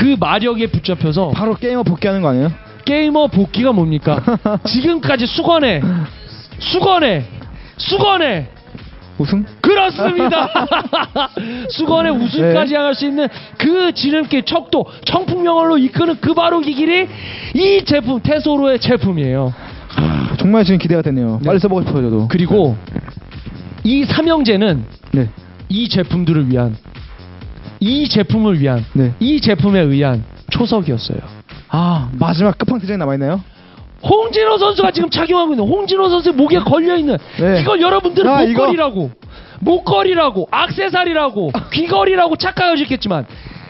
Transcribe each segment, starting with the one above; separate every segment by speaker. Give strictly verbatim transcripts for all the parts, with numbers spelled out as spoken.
Speaker 1: 그 마력에 붙잡혀서
Speaker 2: 바로 게이머 복귀하는 거 아니에요?
Speaker 1: 게이머 복귀가 뭡니까? 지금까지 수건에 수건에 수건에
Speaker 2: 우승?
Speaker 1: 그렇습니다. 수건의 우승까지
Speaker 2: 네.
Speaker 1: 향할 수 있는 그 지름길 척도 청풍명월로 이끄는 그 바로 이 길이 이 제품 테소로의 제품이에요.
Speaker 2: 정말 지금 기대가 되네요.
Speaker 1: 네.
Speaker 2: 빨리 써보고 싶어요 저도.
Speaker 1: 그리고 이 삼형제는
Speaker 2: 네.
Speaker 1: 이 제품들을 위한 이 제품을 위한
Speaker 2: 네.
Speaker 1: 이 제품에 의한 초석이었어요.
Speaker 2: 아 마지막 끝판 대장이 남아있나요?
Speaker 1: 홍진호 선수가 지금 착용하고 있는 홍진호 선수의 목에 걸려있는
Speaker 2: 네.
Speaker 1: 이걸 여러분들은
Speaker 2: 아, 이거-
Speaker 1: 목걸이라고 목걸이라고 악세사리라고 귀걸이라고 착각하셨겠지만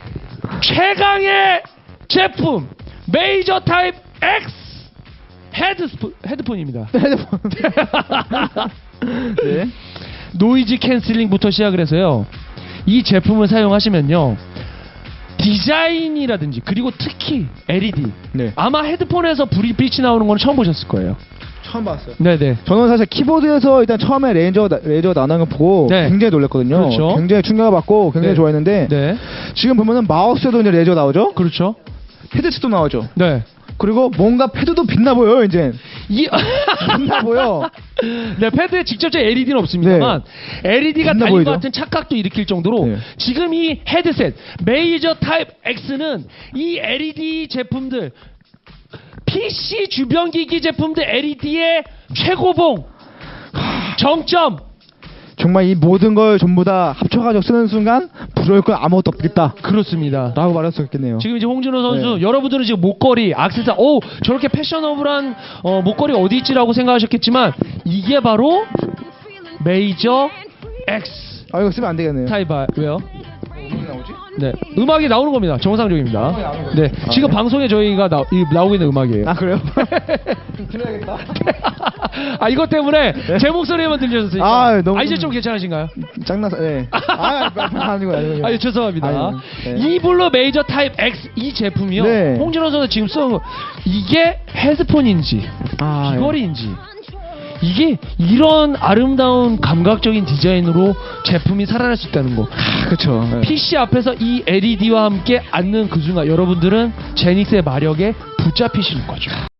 Speaker 1: 최강의 제품 메이저 타입 X 헤드스폰, 헤드폰입니다.
Speaker 2: 핸드폰. 네.
Speaker 1: 노이즈 캔슬링부터 시작을 해서요, 이 제품을 사용하시면요 디자인이라든지 그리고 특히 엘이디
Speaker 2: 네.
Speaker 1: 아마 헤드폰에서 불이 빛이 나오는 건 처음 보셨을 거예요.
Speaker 2: 처음 봤어요.
Speaker 1: 네네.
Speaker 2: 저는 사실 키보드에서 일단 처음에 레인저 레이저 나오는 거 보고
Speaker 1: 네.
Speaker 2: 굉장히 놀랐거든요.
Speaker 1: 그렇죠.
Speaker 2: 굉장히 충격을 받고 굉장히
Speaker 1: 네.
Speaker 2: 좋아했는데
Speaker 1: 네.
Speaker 2: 지금 보면은 마우스에도 이제 레이저 나오죠.
Speaker 1: 그렇죠.
Speaker 2: 헤드셋도 나오죠.
Speaker 1: 네.
Speaker 2: 그리고 뭔가 패드도 빛나 보여요 이제.
Speaker 1: 이
Speaker 2: 빛나 보여.
Speaker 1: 네, 패드에 직접적 엘이디는 없습니다만 엘이디가
Speaker 2: 빛나
Speaker 1: 달린
Speaker 2: 보이죠?
Speaker 1: 것 같은 착각도 일으킬 정도로
Speaker 2: 네.
Speaker 1: 지금 이 헤드셋 메이저 타입 X는 이 엘이디 제품들 피씨 주변 기기 제품들 엘이디의 최고봉 정점.
Speaker 2: 정말 이 모든 걸 전부 다 합쳐가지고 쓰는 순간 부러울 건 아무것도 없겠다
Speaker 1: 그렇습니다.
Speaker 2: 라고 말할 수 있겠네요.
Speaker 1: 지금 이제 홍진호 선수
Speaker 2: 네.
Speaker 1: 여러분들은 지금 목걸이, 악세사, 오 저렇게 패셔너블한 어, 목걸이 어디 있지라고 생각하셨겠지만 이게 바로 메이저 X
Speaker 2: 아 이거 쓰면 안 되겠네요.
Speaker 1: 타입아 왜요?
Speaker 2: 어떻게 나오지?
Speaker 1: 네, 음악이 나오는 겁니다. 정상적입니다.
Speaker 2: 음악이 나오는 거죠?
Speaker 1: 네,
Speaker 2: 아,
Speaker 1: 지금
Speaker 2: 네.
Speaker 1: 방송에 저희가 나, 이, 나오고 있는 음악이에요.
Speaker 2: 아 그래요? 들어야겠다.
Speaker 1: 아 이것 때문에 제 목소리만 들려졌으니까.
Speaker 2: 아, 너무-
Speaker 1: 아, 이제 좀 괜찮으신가요?
Speaker 2: 짱나서 예. 아 아니고 아니고.
Speaker 1: 아, 예, 죄송합니다.
Speaker 2: 아니요. 네.
Speaker 1: 이블루 메이저 타입 X 이 제품이요.
Speaker 2: 네.
Speaker 1: 홍진호 선수 지금 쓰는 거 이게 헤드폰인지
Speaker 2: 아,
Speaker 1: 귀걸이인지 이게 이런 아름다운 감각적인 디자인으로 제품이 살아날 수 있다는 거.
Speaker 2: 아, 그렇죠.
Speaker 1: 피씨 앞에서 이 엘이디와 함께 앉는 그 순간 여러분들은 제닉스의 마력에 붙잡히시는 거죠.